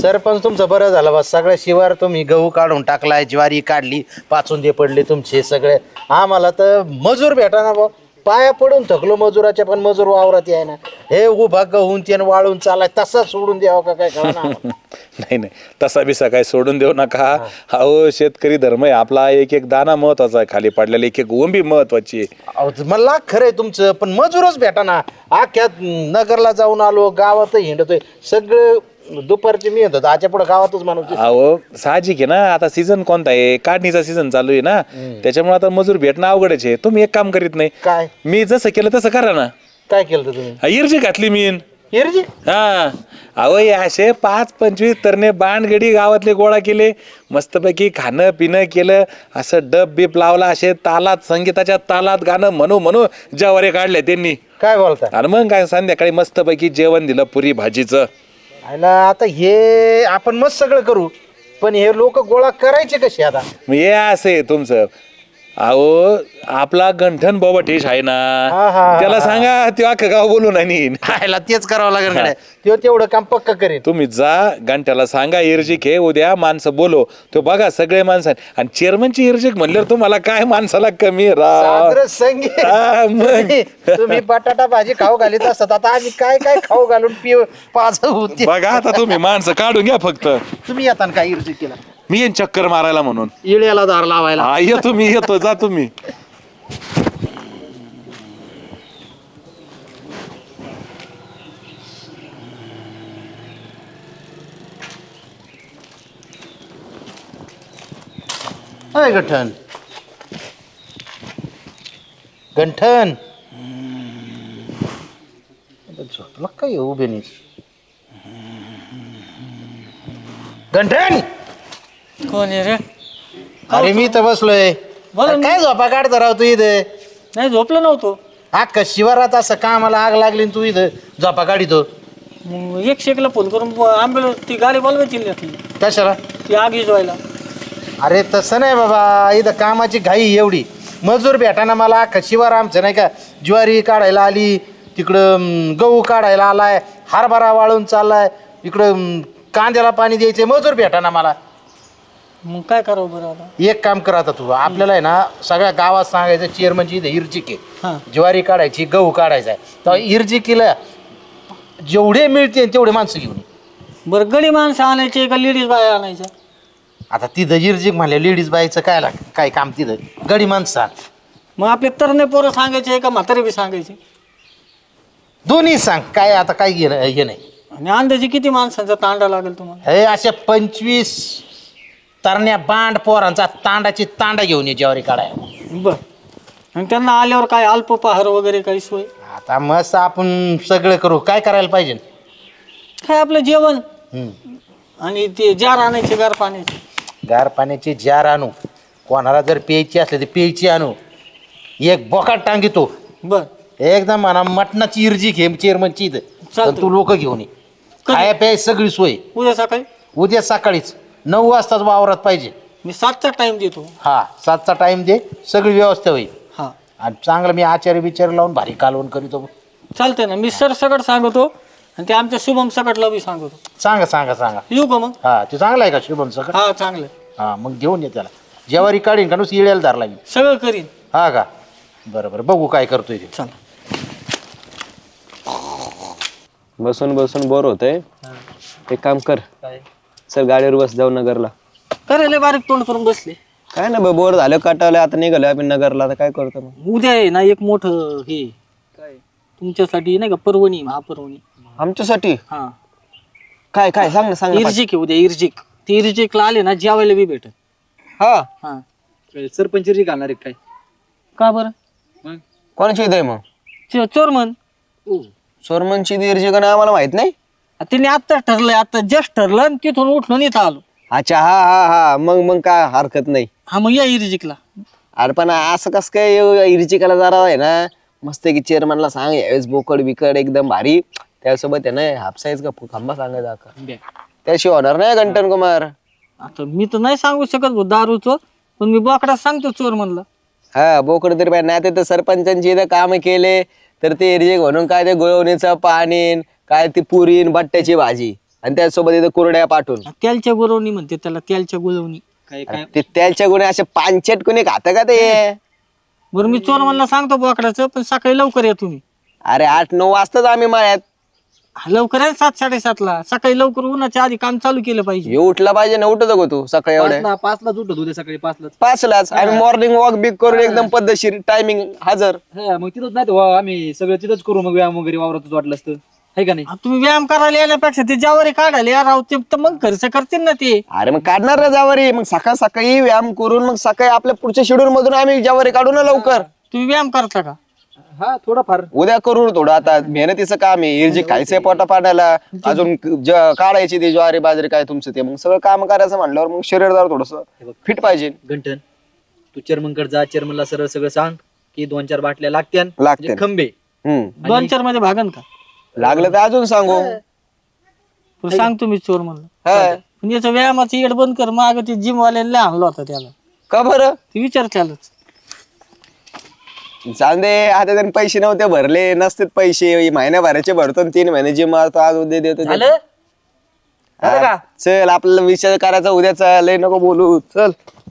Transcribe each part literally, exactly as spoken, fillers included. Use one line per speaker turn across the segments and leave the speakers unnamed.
सरपंच तुमचं बरं झालं बस. सगळ्या शिवार तुम्ही गहू काढून टाकलाय, ज्वारी काढली, पाचूंदे पडले तुमचे सगळे. आम्हाला तर मजूर भेटा ना भाऊ. पाया पडून थकलो मजुराच्या, पण मजूर वावरात याय ना. हे उभा गहून ते वाळून चालाय तसा सोडून द्यावं का काय कळा ना.
नाही नाही, तसा बिसा काय सोडून देऊ नका. अहो शेतकरी धर्म आहे आपला. एक एक दाना महत्वाचा आहे, खाली पडलेला एक एक ओंबी महत्वाची आहे.
मला खरंय तुमचं, पण मजूरच भेटा ना. अख्ख्या नगरला जाऊन आलो, गावात हिंडतोय सगळं. दुपारची मी येतो आजच्या पुढे गावातच माणूस.
अहो साहजिक आहे ना, आता सीझन कोणता आहे, काढणीचा सीझन चालू आहे ना, त्याच्यामुळे आता मजूर भेटणं अवघडच आहे. तुम्ही एक काम करीत नाही
काय?
मी जसं केलं तसं करा ना.
काय केलं तुम्ही?
इर्जी घातली मी.
इर्जी?
हा अहो हे असे पाच पंचवीस तरणे बांडगडी गावातले गोळा केले, मस्तपैकी खाणं पिणं केलं, असं डब बीप लावला, असे तालात संगीताच्या तालात गाणं म्हणू म्हणू जवारे काढले त्यांनी.
काय बोलता?
आणि मग काय संध्याकाळी मस्तपैकी जेवण दिलं पुरी भाजीचं.
आता हे आपण मस्त सगळं करू, पण हे लोक गोळा करायचे कसे आता?
हे असे तुमचं. अहो आपला गंठन बोबटेश आहे
हा,
ना,
हा,
त्याला सांगा ते अख्खं गाव बोलून आणि
खायला तेच करावं लागेल कडे. तो तेवढं काम पक्क करेल.
तुम्ही जा घंट्याला सांगा इर्जिक हे उद्या माणसं बोलो. तो बघा सगळे माणसं आणि चेअरमनची इर्जिक म्हणल्यावर तुम्हाला काय माणसाला कमी
साजरं संगीत.
हा, मग.
तुम्ही- तुम्ही बटाटा भाजी खाऊ घालीत असतात, आता आम्ही काय काय खाऊ घालून पिऊ पाच होते.
बघा आता तुम्ही माणसं काढून घ्या फक्त.
तुम्ही येता ना काय इर्जी केला?
मी येईन चक्कर मारायला म्हणून.
इळ्याला दार लावायला.
हा येतो मी, येतो जा तुम्ही.
अय गंठन, गंठन झोपला काय उभे नाही? गंठन,
कोण आहे रे?
अरे मी तर बसलोय.
बोला
अरे काय झोपा काढता राव तू इथं?
नाही झोपलो नव्हतो.
अख्खा शिवारात असं कामाला आग लागली आणि तू इथं झोपा काढितो.
मग एक शेकला फोन करून ॲम्ब्युलन्स ती गाडी बोलवायची ना ती
कशाला?
ती आग विजवायला.
अरे तसं नाही बाबा, इथं कामाची घाई एवढी. मजूर भेटाना मला. अख्खा शिवार आमचं नाही का, ज्वारी काढायला आली, तिकडं अं, गहू काढायला आलाय, हरभरा वाळून चाललाय, इकडं अं, कांद्याला पाणी द्यायचे, मजूर भेटाना मला.
मग काय करावं बरं आता?
एक काम कर आता तू, आपल्याला आहे ना सगळ्या गावात सांगायचं चेअरमनची इथं इर्जिक आहे,
हां
ज्वारी काढायची, गहू काढायचा आहे. तर इर्जिकीला जेवढे मिळते तेवढे माणसं घेऊन ये.
बरं गडी माणसं आणायचे का लेडीज बाय आणायच्या?
आता तिथं इर्जिक म्हणल्या लेडीज बाईचं काय लाग काय काम तिथं? गडी माणसं
मग आपले तरणे पोरं सांगायचे का म्हातारे बी सांगायचे?
दोन्ही सांग. काय आता काय घेणं हे नाही.
आणि अंदाजे किती माणसांचा तांडा लागेल तुम्हाला?
हे अशा पंचवीस तरण्या बांड पोरांचा तांडाची तांडा घेऊन ये ज्वारी काढायला.
बरं. आणि त्यांना आल्यावर काय अल्पपहार वगैरे काही सोय?
आता मस्त आपण सगळं करू. काय करायला पाहिजे?
काय आपलं जेवण
हम्म.
आणि ते जार आणायचे गार पाण्याचे.
गार पाण्याची जार आणू. कोणाला जर प्यायची असली तर प्यायची आणू. एक बोकाट टांगितो
बरं
एकदम म्हणा मटणाची इर्जी घे चेअरमनची इथं.
चालतंय.
तू लोक घेऊन ये. खाया प्याय सगळी सोय.
उद्या सकाळी
उद्या सकाळीच नऊ वाजताच वावरात पाहिजे.
मी सातचा टाइम देतो.
हा सातचा टाइम दे, सगळी व्यवस्था होईल.
हां
आणि चांगलं मी आचार्य बिचार लावून भारी कालवण करीतो.
चालतंय ना. मी सर सकट सांगतो आणि ते आमच्या शुभम सकटला बी सांगतो.
सांगा सांगा सांगा.
येऊ का मग?
हा ते चांगलं आहे का शुभम सगळं?
हा चांगलं
हा मग घेऊन ये त्याला. ज्वारी काढीन का नुसती इळ्याला धरला मी.
सगळं करीन.
हा का? बरं बरं बघू काय करतोय ते.
चला.
बसून बसून बोर होतंय. एक काम कर, चल गाडीवर बस, जाऊ नगरला.
करायला बारीक तोंड करून बसले.
काय ना बोर झालं, काटावलं, आता निघालो आपण नगरला. आता काय करतो मग?
उद्या आहे ना एक मोठं हे तुमच्यासाठी नाही का, पर्वणी महापर्वणी.
आमच्यासाठी
हा
काय काय सांग ना, सांग ना.
इर्जिक आहे उद्या. इर्जिक ते इर्जिकला आले ना जेवायला बी भेटत.
हा
हा
सरपंच घालणार आहे काय?
का बरं?
कोणाची ईद आहे मग?
चो- चोर म्हण.
सोरमनची दीर्जी का आम्हाला माहित नाही.
तिने आत्ता ठरलंय, आता जस्ट ठरलं आणि तिथून उठून इथं आलो.
अच्छा हा हा हा मग मग काय हरकत नाही.
हा मग या इर्जिकला.
अरे पण असं कसं काय इर्जिकाला जरा आहे ना मस्त की चेअरमनला सांग यावेळेस बोकड बिकड एकदम भारी, त्यासोबत आहे ना हापसाईज का खांबा सांगायचा का, त्याशिवाय होणार नाही घंटन कुमार.
आता मी तर नाही सांगू शकत भाऊ दारूचं, पण मी बोकडा सांगतो चोर म्हणला.
हा बोकड तरी पाहिजे. नाही तर सरपंचांची इथं काम केले तर ते इर्जिक म्हणून काय ते गुळवणीचं पाणी, काय ती पुरीन बट्ट्याची भाजी. आणि त्यासोबत इथं कुरड्या पाठवून
तेलच्या गुरवणी म्हणते त्याला, तेलच्या गुळवणी काय काय.
ते त्याच्या गुन्हे असे पानचट कोणी खात का ते?
बरं मी चोर म्हणला सांगतो बोकडाचं, पण सकाळी लवकर या तुम्ही.
अरे आठ नऊ वाजताच आम्ही मळ्यात.
हा, लवकर आहे सात साडेसातला. सकाळी लवकर उन्हाच्या आधी काम चालू केलं पाहिजे.
हे उठला पाहिजे ना, उठत गो तू सकाळी एवढ्या
पाचलाच उठत उद्या सकाळी पाचलाच.
पाचलाच आम्ही मॉर्निंग वॉक बिक करून एकदम पद्धतशीर टायमिंग हजर.
हा मग तिथंच नाही तर वा, आम्ही सगळं तिथंच करू मग व्यायाम वगैरे वावरातच वाटलं असतं आहे का नाही.
हा, तुम्ही व्यायाम करायला येण्यापेक्षा ते ज्यावर काढायला या राव, ते तर मग खर्च करतील ना ते.
अरे मग काढणार ना जावारी, मग सकाळ सकाळी व्यायाम करून मग सकाळी आपल्या पुढच्या शेड्यूल मधून आम्ही जावारी काढू ना लवकर.
तुम्ही व्यायाम करता का?
हा थोडाफार.
उद्या करू थोडं, आता मेहनतीचं काम आहे. इरजी खायचंय पोटा पाण्याला, अजून ज- काढायची ती ज्वारी बाजरी काय तुमचं ते, मग सगळं काम करायचं म्हणल्यावर मग शरीर जरा थोडस फिट पाहिजे.
गंठन तू चेअरमनकडे जा, चेअरमनला सरळ सगळं सांग की दोन चार बाटल्या लागत्यान
लागत्यान.
म्हणजे खंबे.
हम्म
दोन चार मध्ये भागन का?
लागलं तर अजून सांगू.
बरं, सांग तुम्ही चोर म्हणलं.
हा
पण याचं व्यायामाचं येड बंद कर. माग ते जिम वाल्याला आणलं होतं त्याला,
का बरं?
ते विचार त्यालाच.
चांदे आता त्यांनी पैसे नव्हते भरले, नसते पैसे महिन्या भराचे भरतो आणि तीन महिने जिम मारतो, आज उद्या देतो ते.
झालं झालं का?
हा, चल आपल्याला विचार करायचा उद्याचा, लय नको बोलू, चल.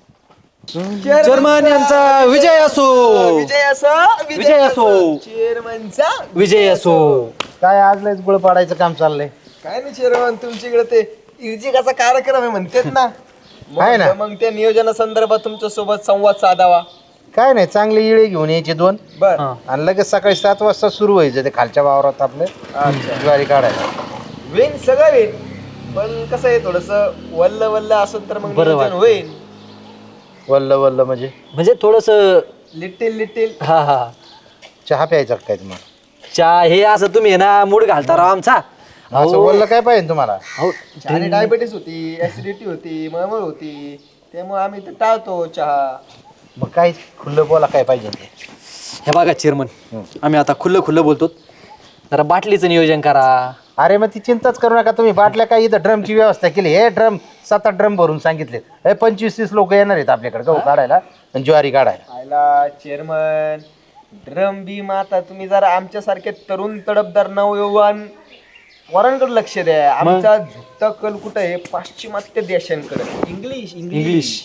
चेअरमन यांचा विजय असो,
विजय असो
विजय असो,
चेअरमनचा
विजय असो.
काय आज लयच गुळ पाडायचं काम चाललंय.
काय नाही चेअरमन, तुमच्याकडे ते इर्जिकाचा कार्यक्रम आहे म्हणतात ना,
आहे ना.
मग त्या नियोजनासंदर्भात तुमच्या सोबत संवाद साधावा.
काय नाही, चांगली इळे घेऊन यायची दोन,
बर
आणि लगेच सकाळी सात वाजता सुरू व्हायचं ते खालच्या वावरात आपले ज्वारी काढायला.
वेन सगळं वेन, पण कसं आहे थोडस वल्ल वल्ल असेल तर मग नियोजन होईल.
वल्ल वल्ल म्हणजे
म्हणजे थोडस
लिटिल लिटिल
हा हा
चहा प्यायचा का काय तुम्हाला?
चहा हे असं तुम्ही आहे ना मूड घालता राव आमचा.
असं वल्ल काय पाहिजे तुम्हाला?
हो
आणि डायबिटीस होती, ऍसिडिटी होती, मळमळ होती, त्यामुळे आम्ही ते टाळतो चहा.
मग काय खुल्लं बोला काय पाहिजे ते.
हे बघा चेअरमन, आम्ही आता खुल्लं खुल्लं बोलतो, जरा बाटलीचं नियोजन करा.
अरे मग ती चिंताच करू नका तुम्ही. बाटल्या काय इथं ड्रमची व्यवस्था केली. हे ड्रम सात आठ ड्रम भरून सांगितले. हे पंचवीस तीस लोक येणार आहेत आपल्याकडे गहू काढायला आणि ज्वारी काढायला.
आयला चेअरमन, ड्रम बीम आता तुम्ही जरा आमच्यासारखे तरुण तडफदार नवयुवान वरांकडे लक्ष द्या. आमचा झुकता कल कुठं आहे? पाश्चिमात्य देशांकडे. इंग्लिश
इंग्लिश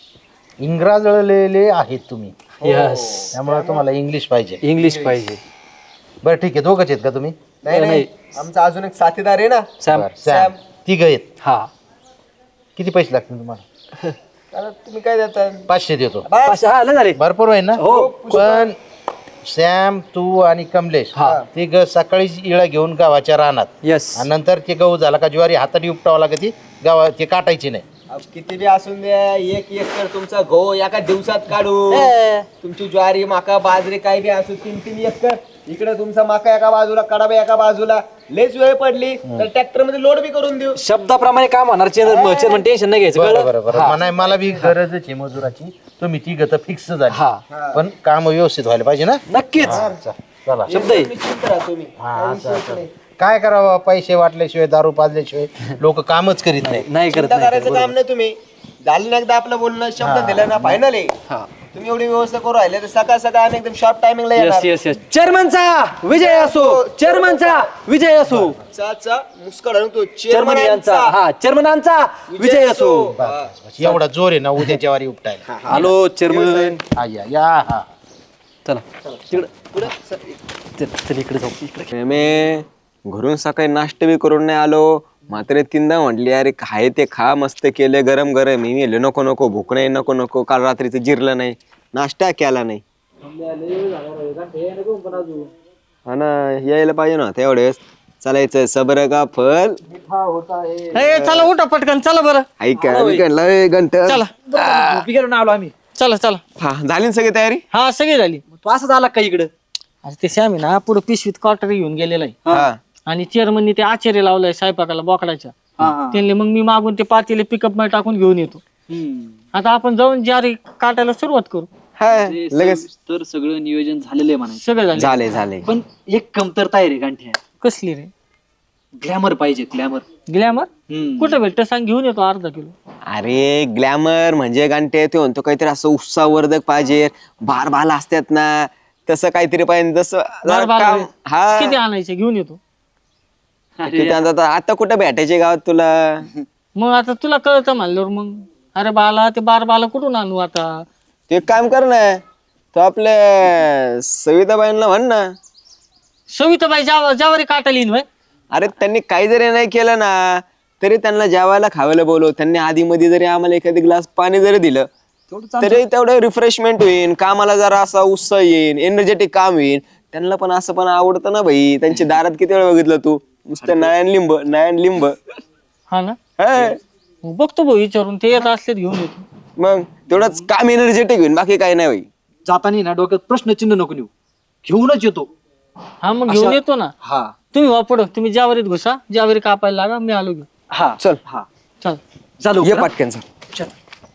इंग्रजलेले आहेत तुम्ही,
यस,
त्यामुळे तुम्हाला इंग्लिश पाहिजे.
इंग्लिश पाहिजे.
बरं ठीक आहे, दोघंच आहेत का तुम्ही?
नाही नाही, आमचा अजून एक साथीदार आहे ना,
सॅम.
बरं, सॅम. तिघ आहेत.
हा
किती पैसे लागतील तुम्हाला?
आता तुम्ही काय देता?
पाचशे देतो.
पाचशे, हा लय झाले.
भरपूर होईल ना?
हो.
पण सॅम, तू आणि कमलेश तिघ सकाळीच इळा घेऊन गावाच्या रानात,
यस,
आणि नंतर ते गहू झाला का ज्वारी हाताने उपटावं लागत, ती गावा ते काटायची नाही.
अहो, किती बी असून द्या, एक एकर तुमचा गहू एका दिवसात काढू. तुमची ज्वारी माका बाजरी काय बी असू, तीन तीन एकर इकडे तुमचा माका एका बाजूला, कडाबा एका बाजूला. लयच वेळ पडली तर ट्रॅक्टर मध्ये लोड बी करून देऊ.
शब्दाप्रमाणे काम होणार. चेअरमन चेअरमन टेन्शन नाही घ्यायचं.
बरं
कळलं?
बरं बरं, म्हणाय मला बी गरजच आहे मजुराची. तुम्ही तिघ तर फिक्स झाली,
हा
पण काम व्यवस्थित व्हायला पाहिजे ना.
नक्कीच.
चला.
शब्द आहे.
निश्चिंत राहा तुम्ही.
हा, असं असं. काय करावं, पैसे वाटल्याशिवाय दारू पाजल्याशिवाय लोक कामच करीत नाही.
नाही करत
चिंता
नाही
करायचं
करत.
काम नाही. तुम्ही झालं ना एकदा आपलं बोलणं, शब्द दिला ना, फायनल आहे.
हा.
तुम्ही एवढी व्यवस्था करू राहिले तर सकाळ सकाळ आम्ही एकदम शॉर्ट टायमिंगला
यस
येणार.
Yes yes. चेअरमनचा विजय असो, चेअरमनचा विजय असो,
चा मुस्कळ आणून तो
चेअरमन यांचा, हा चेअरमनांचा विजय असो.
बस, बस. एवढा जोर आहे ना उद्याच्या वारी उपटायला.
हॅलो चेअरमन,
हा, या या, हा.
चला तिकडं चल चल इकडे जाऊ इकडे.
मी घरून सकाळी नाश्ता बी करून नाही आलो, मात्र तीनदा म्हटली अरे खाय ते खा, मस्त केले गरम गरम. मी म्हणले नको नको, भूक नाही, नको नको. काल रात्रीचं जिरलं नाही, नाश्ता केला नाही. हा ना, यायला पाहिजे ना तेवढेच. चालायचं सबर का फल.
ए, चला उठा पटकन, चला बरं.
ऐका घंट.
चला
झोपी गेलो ना आलो आम्ही.
चला चला.
हा, झाली ना सगळी तयारी?
हा सगळी झाली.
तू असंच आला का इकडं?
अरे ते श्याम आहे ना, पुढे पिशवीत क्वार्टर घेऊन गेलेला आहे,
हा
आणि चेअरमननी ते आचार्य लावलाय स्वयंपाकाला बोकडाच्या. त्यांनी मग मी मागून ते पातेले पिकअप मध्ये टाकून घेऊन येतो. आता आपण जाऊन ज्वारी काटायला सुरुवात करू.
हा लगेच
तर सगळं नियोजन झालेलं आहे म्हणायचं.
सगळं झालं.
झाले झाले.
पण एक कमतरता आहे रे गांठ्या.
कसली रे?
ग्लॅमर पाहिजे, ग्लॅमर.
ग्लॅमर कुठं भेटत सांग, घेऊन येतो अर्धा किलो.
अरे ग्लॅमर म्हणजे गांठे ते म्हणतो काहीतरी असं उत्साहवर्धक पाहिजे, बार बाला असतात ना, तसं काहीतरी पाहिजे. जसं
बार बार
काम- हा
किती आणायचे? घेऊन येतो.
किती आता आता कुठं भेटायचे गावात तुला?
मग आता तुला कळतं म्हणल्यावर मग अरे बाला ते बार बाला कुठून आणू आता?
तू एक काम कर ना, तो आपल्या सविताबाईंना म्हण ना.
सविताबाई जाव जावारी काटायला येईन व्हय?
अरे त्यांनी काही जरी नाही केलं ना तरी त्यांना जेवायला खावायला बोलव. त्यांनी आधी मध्ये जरी आम्हाला एखादी ग्लास पाणी जरी दिलं तरी तेवढं रिफ्रेशमेंट होईल, कामाला जरा असा उत्साह येईल, एनर्जेटिक काम होईल. त्यांना पण असं पण आवडतं ना भाई. त्यांच्या दारात किती वेळ बघितलं तू, नुसतं नयन लिंब नयन लिंब.
हा ना,
हा.
मग बघतो भाऊ विचारून, ते येत असले घेऊन येतो.
मग तेवढंच काम एनर्जेटिक होईल, बाकी काही नाही भाई.
जाताना ना डोक्यात प्रश्नचिन्ह नको नेऊ, घेऊनच येतो.
हा मग घेऊन येतो ना.
हा
तुम्ही वापड, तुम्ही ज्यावरीत घुसा, ज्यावरी कापायला लागा, मी आलो घेऊन.
हा
चल
हा
चल.
चालू
ये पाटक्यान चल.
चल.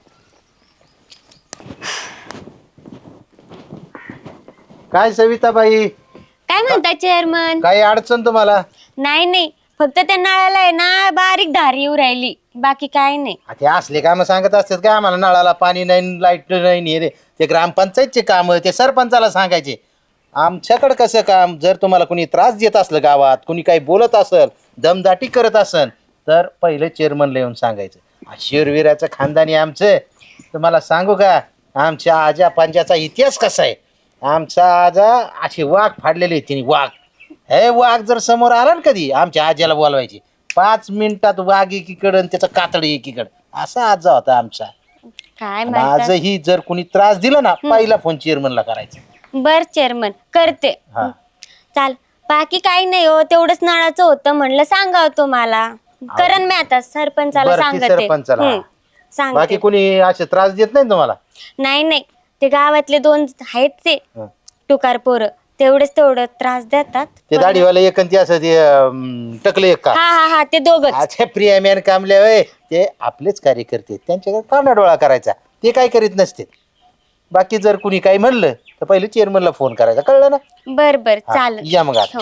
काय सविताबाई,
काय म्हणता चेअरमन?
काही अडचण तुम्हाला?
नाही नाही, फक्त त्या नळाला आहे ना बारीक धार येऊ राहिली, बाकी काय नाही.
आ, ते असले काम सांगत असतात काय आम्हाला? नळाला पाणी नाही, लाईट नाही, हे रे ते ग्रामपंचायतचे काम, ते सरपंचाला सांगायचे. आमच्याकडे कसं काम, जर तुम्हाला कोणी त्रास देत असलं गावात, कोणी काही बोलत असेल, दमदाटी करत असेल, तर पहिले चेअरमनला येऊन सांगायचं. शिरविराचं खानदानी आमचं. तुम्हाला सांगू का, आमच्या आजा पंजाचा इतिहास कसा आहे. आमचा आजा असे वाघ फाडलेले आहेत तिने, वाघ. हे वाघ जर समोर आला ना कधी, आमच्या आज्याला बोलवायचे. पाच मिनिटात वाघ एकीकडं आणि त्याचं कातड एकीकडं, असा आजा होता आमचा.
काय म्हणता?
आजही जर कोणी त्रास दिला ना, पहिला फोन चेअरमनला करायचा.
बर चेअरमन, करते.
हा.
चाल, बाकी काही नाही हो, तेवढंच नळाचं होतं, म्हणलं सांगावं तुम्हाला. करण मी आता सरपंचाला
बरं, ती
सांगते.
सरपंचाला.
हम्म,
बाकी
सांगते.
कोणी असे त्रास देत नाही ना तुम्हाला?
नाही नाही, ते गावातले दोन आहेत ते
हं.
टुकार पोरं, तेवढेच तेवढं त्रास देतात.
ते दाढीवाले एक आणि ते असं ते अं, टकले एक का?
हा हा हा, ते दोघच.
अच्छा, प्रिया मॅन कामले होय, ते आपलेच कार्यकर्ते, त्यांच्याकडे काना डोळा करायचा, ते काय करीत नसते. बाकी जर कुणी काही म्हणलं तर पहिले चेअरमनला फोन करायचा, कळलं ना?
बर बर,
हा,
चालेल.
या मग आता.
हो.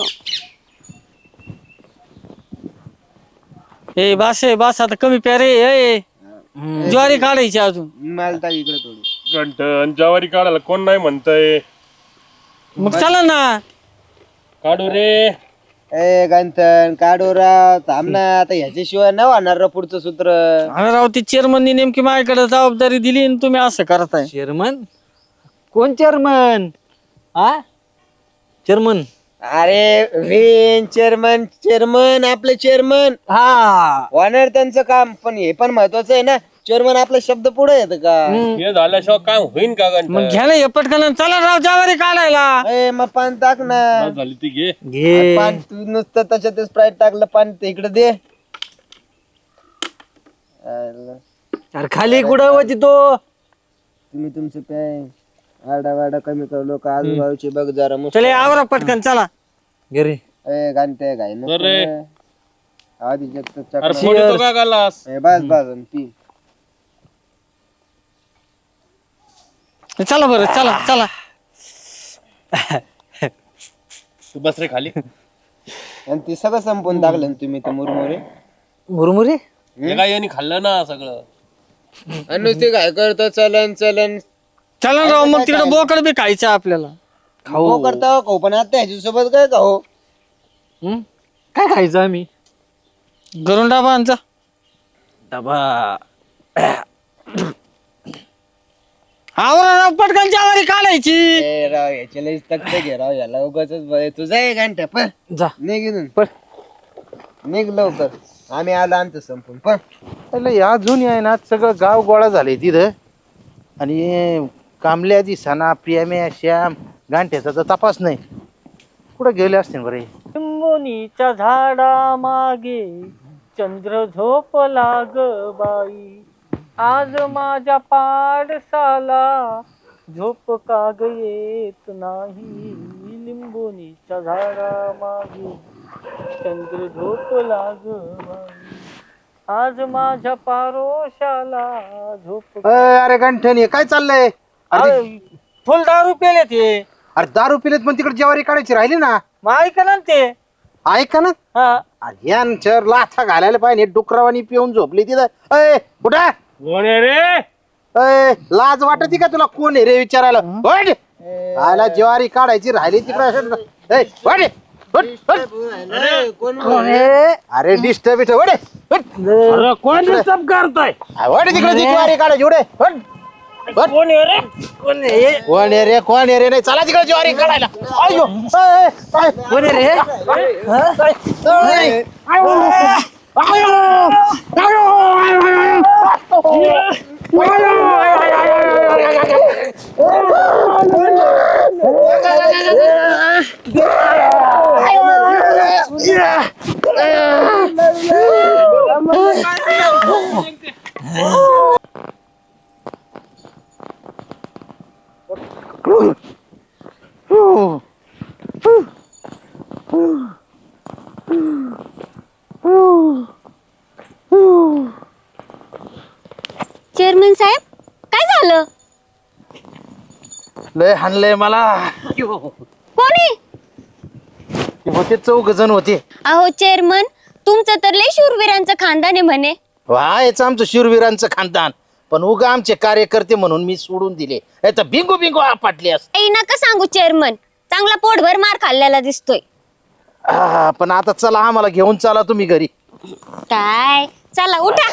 ए बास आहे बास, आता कमी प्यारे. ए ज्वारी काढायची अजून.
मालता इकडे थोडी.
घंटन ज्वारी काढायला कोण नाही म्हणतंय?
मग चला ना.
काढू रे.
ए गंथन काढोरा थांब ना, आता ह्याच्याशिवाय नाही होणार रे पुढचं सूत्र.
अरे राव, ती चेअरमननी नेमकी माझ्याकडे जबाबदारी दिली आणि तुम्ही असं करताय.
चेअरमन? कोण चेअरमन? आ चेअरमन?
अरे वेन चेअरमन, चेअरमन आपले चेअरमन
हा
होणार त्यांचं काम, पण हे पण महत्वाचं आहे ना, चेअरमन आपला शब्द पुढे येतं का?
हे झाल्याशिवाय काम होईन का
मग
घंटन?
घ्या ना हे पटकन, चला राव ज्वारी काढायला.
ए मग पान टाक ना.
झाली ती घे.
घे.
पान तू नुसतं त्याच्यात स्प्राईट टाकलं, पान ते इकडे दे.
अरे खाली कुठं होती तो?
तुम्ही तुमचं काय आडा वाडा कमी कर, लोक आजूबाजूचे बघ जरा मस्त.
चले आवरा पटकन, चला.
घरी
ए घंटे घाई नको
अरे.
रे. आधी जगत
अरे
चकना.
फोडतो का गालास?
ए, बस बस आणि पी.
चला बरं, चला चला.
तू बस रे खाली.
आणि ते सगळं संपवून टाकलं ना तुम्ही ते मुरमुरे.
मुरमुरे?
हे काय यांनी खाल्लं ना सगळं.
आणि नुसते काय करतो, चलन चलन
चला राव, मग तिकडे बोकड बी खायचं आपल्याला.
खाऊ करता खाऊ, पण आता ह्याच्यासोबत काय खाऊ?
हं? काय खायचं आम्ही?
घरून डाबा आणचा.
डबा.
आवरा राव पटकन, ज्वारी काढायची.
ए राव याच्या लईच तक्त घे राव, याला उगाच तुझा आहे घंटा पण
जा
निघ इथून.
पण
निघ लवकर, आम्ही आलो आणतो संपून पण.
पहिले अजून आहे ना, सगळं गाव गोळा झाले तिथं. आणि कामल्या दिसाना, प्रियाम्या, श्याम, गांठ्याचा तर तपास नाही. कुठं गेले असतील बरे?
लिंबोनीच्या झाडा मागे चंद्र झोपला ग बाई, आज माझ्या पाडसाला झोप का ग येत नाही. लिंबोनीच्या झाडा मागे चंद्र झोपला ग बाई, आज माझ्या पारोशाला झोप.
अरे गंठन, हे काय चाललंय? अरे
फुल दारू पेले ते.
अरे दारू पिलेत, पण तिकडे ज्वारी काढायची राहिली ना.
मग ऐका ना ते.
ऐका ना,
हा,
यांच्या लाथा घालायला पाहिजे. डुकरावानी पिऊन झोपली तिथं. अय कुठं?
कोण आहे रे?
अय लाज वाटती का तुला? कोण आहे रे विचारायला? वाट! आला ज्वारी काढायची राहिली तिकडे. वाट! हट, हट. अरे डिस्टर्ब इथं वडे
अरे कोण डिस्टर्ब करताय
वडे तिकडे ती ज्वारी काढायची उडे हट. हट. कोण आहे रे कोण आहे रे नाही चला तिकडे ज्वारी काढायला अयो कोण आहे रे
चेअरमन साहेब काय झालं?
लय हाणलंय मला
कोणी?
होते चौघ जण होते
अहो चेअरमन, तुमचं तर लय शूरवीरांचं खानदान आहे म्हणे.
व्हायचं आमचं शूरवीरांचं खानदान पण उगा आमचे कार्यकर्ते म्हणून मी सोडून दिले नाही तर बिंगू बिंगू आपटली असते.
ऐ नका सांगू चेअरमन, चांगला पोटभर मार खाल्ल्याला दिसतोय.
आ, पण आता चला आम्हाला घेऊन चला तुम्ही घरी.
काय चला उठा.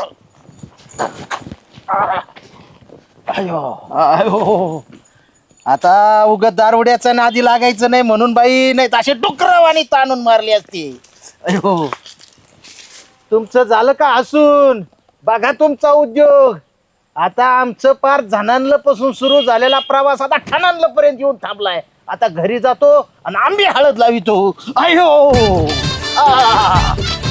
अयो अयो आता उगत दारुड्याचा नादी लागायचं नाही म्हणून बाई नाही तर असे डुकरवाणी ताणून मारली असती. अयो तुमचं झालं का हसून बघा तुमचा उद्योग. आता आमचं पार झणानलं पासून सुरू झालेला प्रवास आता ठणानलं पर्यंत येऊन थांबलाय. आता घरी जातो आणि आंबे हळद लावितो. अयो आ